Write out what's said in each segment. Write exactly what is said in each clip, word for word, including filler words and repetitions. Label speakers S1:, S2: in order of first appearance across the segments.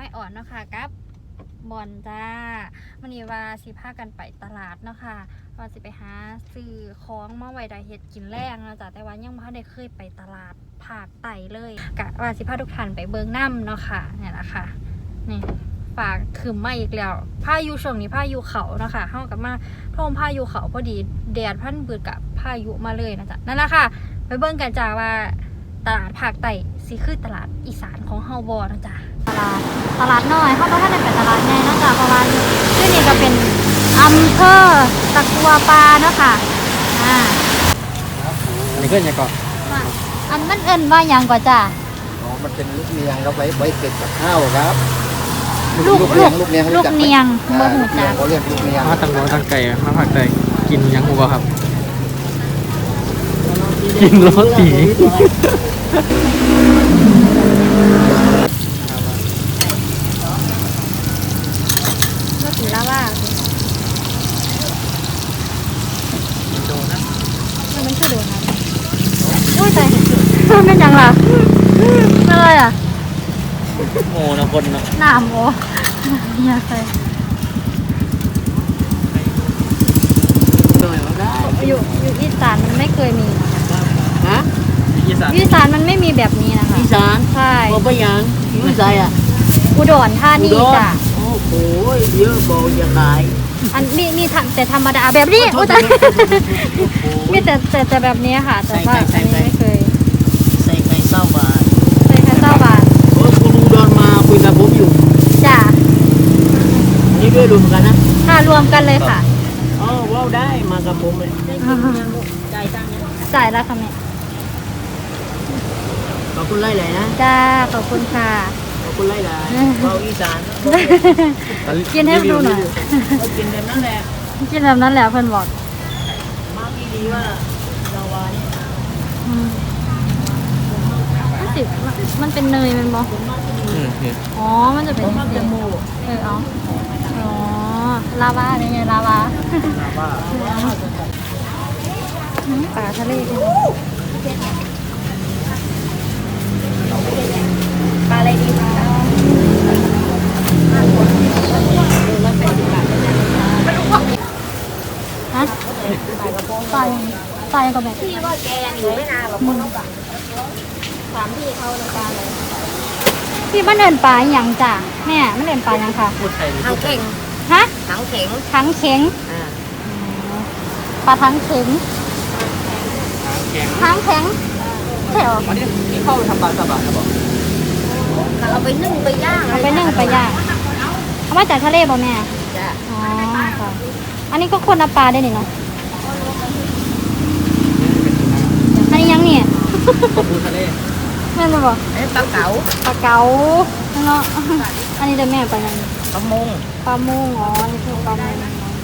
S1: ม้อ่อนเนาะค่ะกับบอนจ้าวันนี้ว่าสิพากันไปตลาดเนาะค่ะว่าสิไปหาซื้อของมาไว้ได้เฮ็ดกินแรงนะจ๊ะแต่ว่ายังไม่ได้เคยไปตลาดภาคใต้เลยกะว่าสิพาทุกท่านไปเบิ่งน้ำเนาะค่ะเนี่ยแหละค่ะนี่ฝากคืมมาอีกแล้วพายุช่วงนี้พายุเขาเนาะค่ะเข้ากับมาท่วมพายุเขาพอดีแดดพันเบิดกับพายุมาเลยนะจ๊ะนั่นแหละค่ะไปเบิ่งกันจ้าว่าตลาดภาคใต้สิคือตลาดอีสานของเฮาบ่นะจ๊ะตลาดตลาดน้อยเขาบอกว่าเป็นตลาดใหญ่นะจ๊ะเพราะว่าที่นี่ก็เป็นอำเภอตะกัวป่าเนาะค่ะอ่า
S2: อันนี้ก็ยังก่อน
S1: อันมันเอิ้นว่าหยังก่อนจ้ะ
S2: อ๋อมันเป็นลูกเนียงครับไว้ไว้เก็บกับข้าวครับ
S1: ลูกลูกลูกเนียงลูกเนียงบ่ฮู้จัก
S2: เขาเรียกลูกเนียง
S3: มาตั้งหัวตั้งไก่มาผักไก่กินยังหูบ่ครับกินโรตี
S1: โรตีลาวา
S3: โดนนะ
S1: มันคือโดนนะโอ้ยตายมันเป็นหยังล่ะอะไรอ่ะ
S3: โง่นะคนนะ
S1: น้ำโอ้ยใส่อยู่อยู่อีสานมันไม่เคยมี
S4: ฮะ
S3: อีสาน
S1: อีสานมันไม่มีแบบนี้นะคะ
S4: อีสาน
S1: ใช่
S4: บ่ไปยังอยู่ไสอ่ะ
S1: อุดรธานีจ้ะ
S4: โอ้โหเยอะบ่อย่าขาย
S1: อันนี้นี่แต่ธรรมดาแบบนี้โอ้แต่มีแต่แต่แต่แบบนี้ค่ะแต่ว่าอันนี้ไม่เคย
S4: ใส่ไข่เศร้าบาท
S1: ใส่ไข่เศร้าบาท
S4: โอ้คุณอุดรมาคุยกับผมอยู่
S1: จ้ะ
S4: นี่ด้วยรวมกันนะ
S1: ค่ะรวมกันเลยค่ะ
S4: อ๋อว้าวได้มากับผมเลยจ่ายตังค์
S1: จ่ายแล้วค่ะแม่
S4: ขอบคุณไล่ไหลนะ
S1: จ้าขอบคุณค่ะ
S4: ขอบคุณไล่ไหลว้าวอีสาน
S1: กินให้ดูหน่อย
S4: กินแบบนั้นแหละ
S1: กินแบบนั้นแหละเพื่อนบอก
S4: มากดีว่าเราวาเนี่ย
S1: มันสิมันเป็นเนยมันบอกอ๋อมันจะเป็น
S4: จมูก
S1: เออเอาอ๋อลาวาเนี่ยไงลาวาปลาทะเลปลาอะไรดีคะฮะปลาปลายังกับแบบ
S5: พี่ว่าแกยังอยู่ไม่นานหรอกมึงถามพี่เขาในการเลย
S1: พี่มันเดินปลาอย่างจ้ะแม่มันเดินปลายังค่ะ
S5: ทั้งเข่ง
S1: ฮะ
S5: ทั้งเข่ง
S1: ทั้งเข็งปลาทั้งเข็งทั้งแข็งใช่หรอ
S3: วันนี้ที่เข้าไปทำปลาสบะนะบอก
S5: เอาไปนึ่งไปย่าง
S1: เอาไปนึ่งไปย่างเอามาจากทะเลบ่แม่
S5: จ้ะ
S1: อ๋อค่ะอันนี้ก็คนเอาปลาได้นี่เนาะอันนี้ยังเนี่ย
S3: ปลาบูทะเล
S1: แม่มาบอก
S5: ปลาเก๋า
S1: ปลาเก๋าเนาะอันนี้เดี๋ยวแม่ไปยัง
S5: ปลามง
S1: ปลามงอ๋อนี่คือปลามง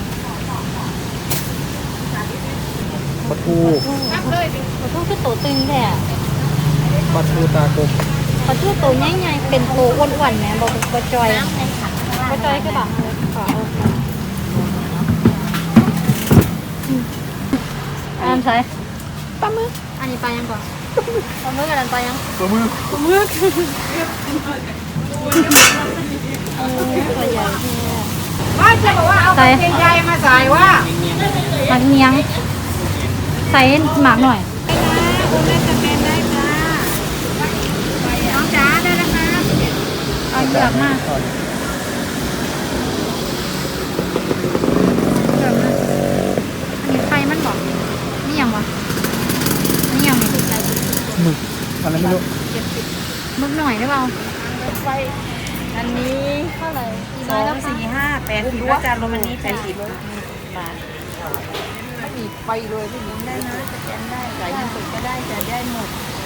S3: ปลาทู
S1: ปลาทูคือโตตึงแท้
S3: ปลาทูตากบ
S1: ปลาทูโตใหญ่ๆเป็นโตอ้วนๆแม่บอกปลาจอยปลาจอยคือแบบค่ะอันใส่ปลาหมึกอันนี้ปลายังก่อนปลาหมึกกับอันปลายัง
S3: ปลาหมึก
S1: ปลาหมึกตัวใหญ่
S5: ว่าจะบอกว่าเอาเกงใหญ่มาใส่ว่า
S1: หมักเนียงใส่หมักหน่อย
S5: คุณแม่จะเป็นได้ค่ะน้องจ๋าได้แล้วค่ะ
S1: เอาเยอะมากเยอะมากอันนี้ไฟมันบอกนี่ยังวะนี่ยังไม่ถูกใจ
S3: หมึกอะไรไม่รู้
S1: มึกหน่อยได้เปล่า
S5: ไฟอันนี้
S1: เท่าไหร่
S5: สองสี่ห้าแปดสิบว่าจานรวมอันนี้แปดสิบบาทไม่มีไฟเลยพี่หญิงได้นะสแกนได้จ่ายเงินสดก็ได้จ่ายได้หมด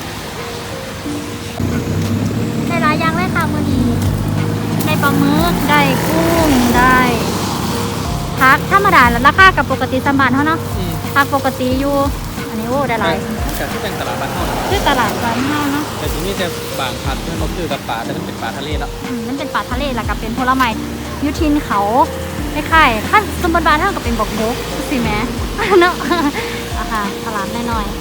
S1: ได้หลายอย่างเลยค่ะมื้อนี้ได้ปลาหมึกได้กุ้งได้ผักธรรมดาแล้วราคากับปกติสมบัติเท่าเนาะผักปกติอยู่อันนี้โอ้ได้หลาย
S3: จากที่เป็นตลาดบ้านเฮา
S1: คือตลาดบ้านเฮาเนาะ
S3: แต่ที่นี่จะบางพันธุ์เขาคือกับปลาแต่มันเป็นปลาทะเลแล้ว
S1: มันเป็นปลาทะเลแล้วก็เป็นผลไม้ยุทินเขาคล้ายๆขั้นสมบัติบ้านเฮาก็เป็นบอกบกสิแม่เนาะอ่ะค่ะตลาดน้อย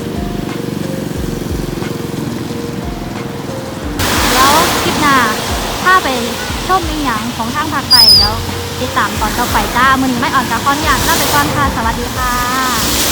S1: ๆแล้วคลิปหน้าาไปชมอีหยังของทางภาคใต้แล้วติดตามตอนต่อไปจ้ามื้อนี้ไม่อ่อนกับขออนุญาตลาไปก่อนค่ะสวัสดีค่ะ